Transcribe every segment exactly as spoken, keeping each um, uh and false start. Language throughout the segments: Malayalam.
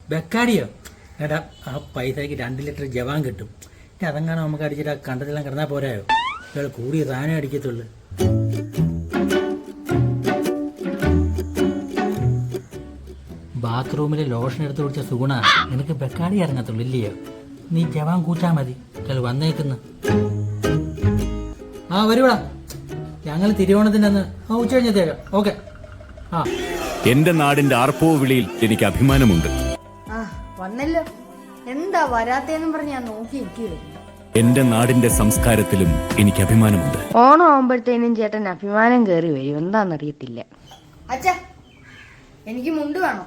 ബെക്കാടിയോ? എടാ ആ പൈസക്ക് രണ്ട് ലിറ്റർ ജവാൻ കിട്ടും. ഇനി അതെങ്ങാനും നമുക്ക് അടിച്ചിട്ട് ആ കണ്ടതെല്ലാം കിടന്നാൽ പോരായോ? ഇയാൾ കൂടിയ സാധനം അടിക്കത്തുള്ളു. ബാത്റൂമിൽ ലോഷൻ എടുത്ത് കുടിച്ച സുഗുണ നിനക്ക് ബെക്കാടി ഇറങ്ങത്തുള്ളൂ ഇല്ലയോ? നീ ജവാൻ കൂച്ചാ മതി. ഇയാൾ വന്നേക്കുന്നു. ആ വരുവാ, ഞങ്ങൾ തിരുവോണത്തിന്റെ അന്ന് ആ ഉച്ച കഴിഞ്ഞത്തേക്കാം. ഓക്കെ. ആ എന്റെ നാടിന്റെ ആർപ്പോ വിളിയിൽ എനിക്ക് അഭിമാനമുണ്ട്. ആ വന്നല്ലോ. എന്താ വരാത്തേന്നും പറഞ്ഞ് ഞാൻ നോക്കിയിരിക്കുകയായിരുന്നു. എന്റെ നാടിന്റെ സംസ്കാരത്തിലും എനിക്ക് അഭിമാനമുണ്ട്. ഓണം ആവുമ്പോഴത്തേനും ചേട്ടൻ അഭിമാനം കയറി വരും. എന്താന്നറിയത്തില്ല. അച്ഛാ എനിക്ക് മുണ്ട് വേണം.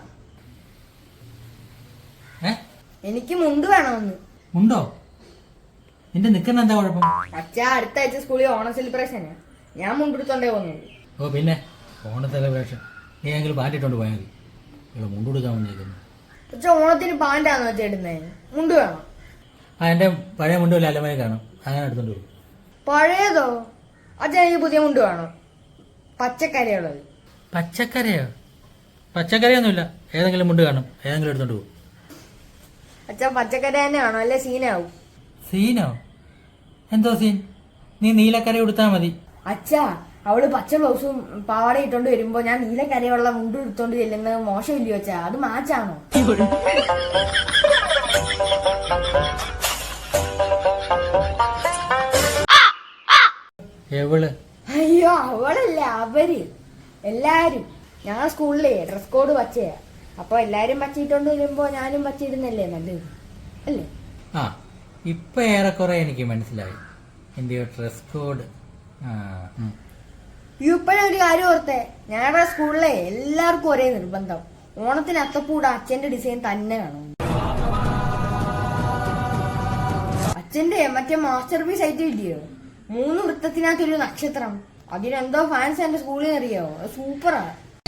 ഏ എനിക്ക് മുണ്ട് വേണമെന്ന്. ഉണ്ടോ? നിന്റെ നിക്കുന്ന എന്താ കുഴപ്പം? അച്ഛാ അടുത്ത ആഴ്ച സ്കൂളിൽ ഓണം സെലിബ്രേഷന് ഞാൻ മുണ്ടെടുത്തോണ്ടേ പോകുന്നത്. ഓ പിന്നെ ഓണ സെലിബ്രേഷൻ നീ എങ്കിലും പാറ്റിട്ടോണ്ട് പോയാൽ മതി. ഇവിടെ മുണ്ടെടുക്കാൻ വന്നേക്കുന്നു. അച്ഛാ ഓണത്തിന് പാൻറ്റാന്ന് വെച്ചാ ഇടുന്നത്. മുണ്ട് വേണം. ആ എൻ്റെ പഴയ മുണ്ടുമില്ല അല്ലമേ കാണും, അങ്ങനെ എടുത്തോണ്ട് പോകും. പഴയതോ? അച്ഛാ എനിക്ക് പുതിയ മുണ്ട് വേണം, പച്ചക്കറിയുള്ളത്. പച്ചക്കറിയോ? പച്ചക്കറിയൊന്നുമില്ല, ഏതെങ്കിലും മുണ്ട് കാണും, ഏതെങ്കിലും എടുത്തോണ്ട് പോകും. അച്ഛാ പച്ചക്കറി തന്നെ വേണം, അല്ലെ സീനാവും. സീനോ? എന്തോ സീൻ? നീ നീലക്കറി കൊടുത്താൽ മതി. അച്ഛാ അവള് പച്ച ബ്ലൗസും പാവാട ഇട്ടോണ്ട് വരുമ്പോ ഞാൻ നീലക്കരയുള്ള മുണ്ട് എടുത്തോണ്ട് ചെല്ലുന്നത് മോശമില്ലയോ അച്ഛാ? അത് മാച്ചാണോ? എവള്? അയ്യോ അവളല്ല, അവര് എല്ലാരും. ഞങ്ങൾ സ്കൂളിലേ ഡ്രസ് കോഡ് പച്ചയാ. അപ്പൊ എല്ലാരും പച്ചയിട്ടോണ്ട് വരുമ്പോ ഞാനും പച്ചയിടുന്നല്ലേ നല്ലത് അല്ലേ? ആ ഇപ്പൊ ഏറെക്കുറെ എനിക്ക് മനസ്സിലായി എന്റെയോ ഡ്രസ് കോഡ്. ഇപ്പോഴും ഒരു കാര്യം ഓർത്തേ, ഞങ്ങളുടെ സ്കൂളിലെ എല്ലാവർക്കും ഒരേ നിർബന്ധം, ഓണത്തിന് അത്തപ്പൂട അച്ഛന്റെ ഡിസൈൻ തന്നെ വേണം. അച്ഛന്റെ മറ്റേ മാസ്റ്റർ പീസ് ആയിട്ട് ഇല്ലയോ, മൂന്ന് വൃത്തത്തിനകത്തൊരു നക്ഷത്രം. അതിനെന്തോ ഫാൻസ് എന്റെ സ്കൂളിൽ നിന്ന് അറിയോ, സൂപ്പറാ.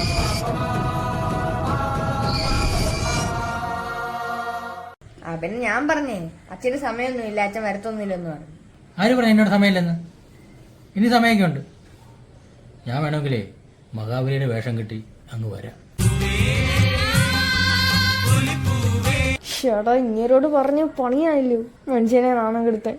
ആ പിന്നെ ഞാൻ പറഞ്ഞേ അച്ഛന് സമയമൊന്നുമില്ല, അച്ഛൻ വരത്തൊന്നുമില്ലെന്ന് പറഞ്ഞു. ആര് പറഞ്ഞു എന്നോട് സമയമില്ലെന്ന്? ഇനി സമയമൊക്കെ ഉണ്ട്. ഞാൻ വേണമെങ്കിലേ മഹാബലിയുടെ വേഷം കിട്ടി അങ്ങ് വരാം. ചേട്ടാ ഇങ്ങരോട് പറഞ്ഞ് പണിയായില്ലോ, മനുഷ്യനെ നാണം കെടുത്താൻ.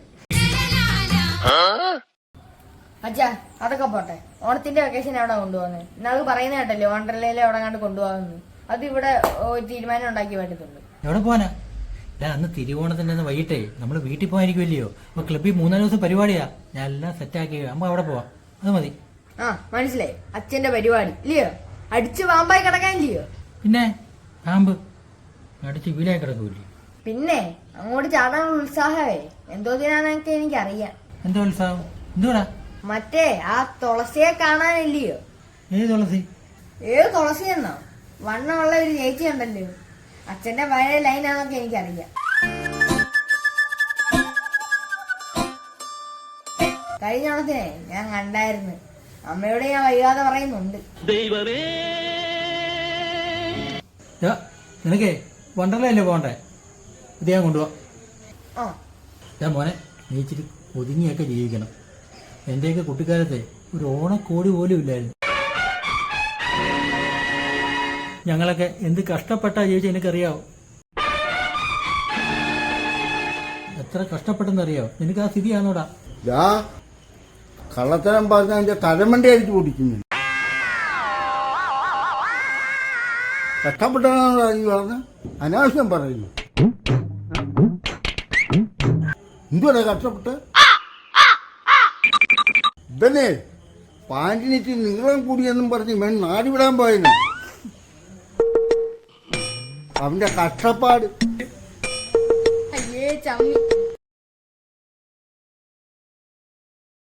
അച്ഛാ അതൊക്കെ പോട്ടെ, ഓണത്തിന്റെ വെക്കേഷൻ എവിടെ കൊണ്ടുപോകുന്നത്? ഇന്നത് പറയുന്ന കേട്ടല്ലേ വണ്ടർലയിലെ എവിടെ കണ്ട് കൊണ്ടുപോകുന്നു. അത് ഇവിടെ തീരുമാനം ഉണ്ടാക്കി പറ്റത്തുള്ളൂ. എവിടെ പോവാനാ? ഞാൻ അന്ന് തിരുവോണത്തിന്റെ അന്ന് വൈകിട്ടേ നമ്മൾ വീട്ടിൽ പോകാനിരിക്കുമല്ലയോ. അപ്പൊ ക്ലബ്ബിൽ മൂന്നാല് ദിവസം പരിപാടിയാ, ഞാൻ എല്ലാം സെറ്റാക്കി അമ്മ അവിടെ പോവാം. അത് മതി. ആ മനസ്സിലായി, അച്ഛന്റെ പരിപാടി ഇല്ലയോ? അടിച്ച് പാമ്പായി കിടക്കാനില്ലയോ? പിന്നെ പാമ്പ് അടിച്ച് വീടായി കിടക്കൂല്ലേ? പിന്നെ അങ്ങോട്ട് ചാടാനുള്ള ഉത്സാഹമേ എന്തോതിനാന്നൊക്കെ എനിക്കറിയാം. എന്തോ ഉത്സാഹം? എന്തുവാടാ? മറ്റേ ആ തുളസിയെ കാണാനില്ലയോ? ഏത് തുളസി? ഏത് തുളസി എന്നോ? വണ്ണമുള്ള ഒരു ചേച്ചി ഉണ്ടല്ലോ, അച്ഛന്റെ പഴയ ലൈനാന്നൊക്കെ എനിക്കറിയാം. കഴിഞ്ഞ ഓണത്തിനെ ഞാൻ കണ്ടായിരുന്നു, അമ്മയോട് ഞാൻ വൈകാതെ പറയുന്നുണ്ട്. നിനക്കേ വണ്ടർലല്ലേ പോകണ്ടേ? ഇത് ഞാൻ കൊണ്ടുപോവാ. ആ ഞാൻ മോനെ നീ ഇച്ചിരി ഒതുങ്ങിയൊക്കെ ജീവിക്കണം. എന്റെയൊക്കെ കുട്ടിക്കാലത്തെ ഒരു ഓണക്കോടി പോലും ഇല്ലായിരുന്നു. ഞങ്ങളൊക്കെ എന്ത് കഷ്ടപ്പെട്ടാ ജീവിച്ച എനിക്കറിയാവോ? എത്ര കഷ്ടപ്പെട്ടെന്നറിയാവോ? നിനക്ക് ആ സ്ഥിതിയാണോടാ? കള്ളത്തരം പറഞ്ഞ എന്റെ തലമണ്ടി അടിച്ചു പൊടിക്കുന്നു. കഷ്ടപ്പെട്ടാണോ ഈ പറഞ്ഞ? അനാവശ്യം പറയുന്നു. എന്തുവാ കഷ്ടപ്പെട്ട്? ഇതന്നെ പാൻറ്റിനിട്ട് നീളം കൂടിയെന്നും പറഞ്ഞ് ഇവൻ നാടിവിടാൻ പോയെന്ന്. അവന്റെ കഷ്ടപ്പാട്. അയ്യേ ചമ്മി.